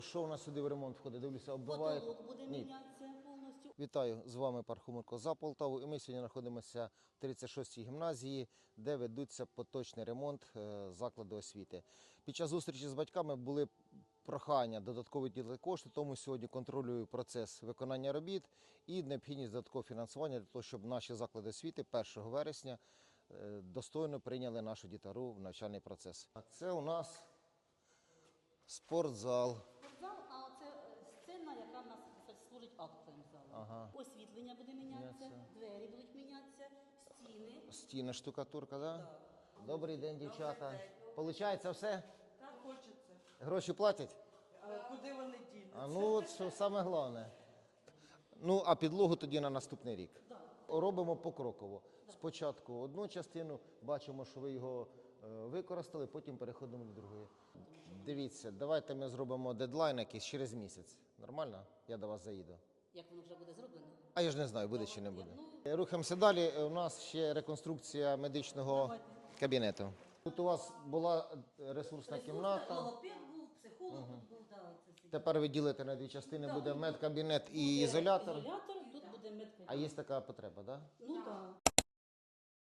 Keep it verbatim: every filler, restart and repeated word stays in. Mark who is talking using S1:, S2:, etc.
S1: Що у нас сюди в ремонт входить? Дивлюся, оббивають.
S2: Потолок буде
S1: Ні.
S2: мінятися повністю.
S1: Вітаю, з вами Пархоменко за Полтаву. І ми сьогодні знаходимося в тридцять шостій гімназії, де ведуться поточний ремонт е, закладу освіти. Під час зустрічі з батьками були прохання додатково виділити кошти, тому сьогодні контролюю процес виконання робіт і необхідність додаткового фінансування для того, щоб наші заклади освіти першого вересня е, достойно прийняли нашу дітару в навчальний процес. А це у нас спортзал.
S2: Спортзал, а оце е, сцена, яка в нас служить актовим залом.
S1: Ага.
S2: Освітлення буде мінятися,
S1: Мінятися.
S2: двері будуть мінятися, стіни.
S1: Стіни, штукатурка, так? Да? Добрий день, дівчата. Получається все?
S3: Так хочеться.
S1: Гроші платять?
S3: А куди вони дінуться?
S1: А ну от що саме головне. Ну, а підлогу тоді на наступний рік. Робимо покроково. Спочатку одну частину, бачимо, що ви його е, використали, потім переходимо до другої. Дивіться, давайте ми зробимо дедлайн якийсь через місяць. Нормально? Я до вас заїду.
S2: Як воно вже буде зроблено?
S1: А я ж не знаю, буде чи не буде. Рухаємося далі. У нас ще реконструкція медичного кабінету. Тут у вас була ресурсна кімната.
S2: Логопед був, психолог тут був, да, це всі.
S1: Тепер ви ділите на дві частини, буде медкабінет і ізолятор.
S2: Ізолятор, тут буде медкабінет.
S1: А є така потреба, так? Да?
S2: Ну так.